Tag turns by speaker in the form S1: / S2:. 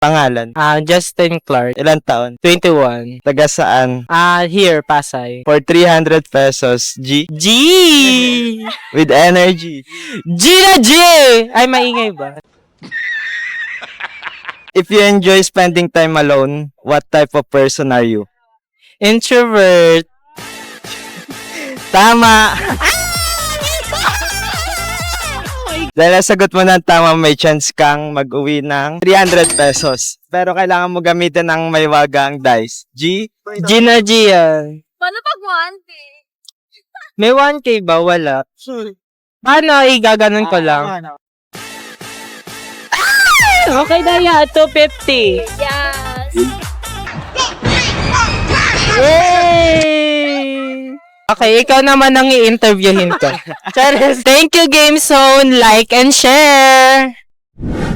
S1: Pangalan?
S2: Justin Clark.
S1: Ilan taon?
S2: 21.
S1: Taga saan?
S2: Here, Pasay.
S1: For 300 pesos, G?
S2: G!
S1: With energy.
S2: G na G! Ay, maingay ba?
S1: If you enjoy spending time alone, what type of person are you?
S2: Introvert.
S1: Tama! Dahil nasagot mo ng tama, may chance kang mag-uwi ng 300 pesos. Pero kailangan mo gamitin ng may wagang dice. G?
S2: G na G yan.
S3: Paano pag 1K?
S2: May 1K ba? Wala. Paano? Igaganon ko lang. Okay na yan. 250.
S3: Yes.
S2: Yay! Okay, ikaw naman ang i-interviewin ko. Charis. Thank you, Game Zone. Like and share.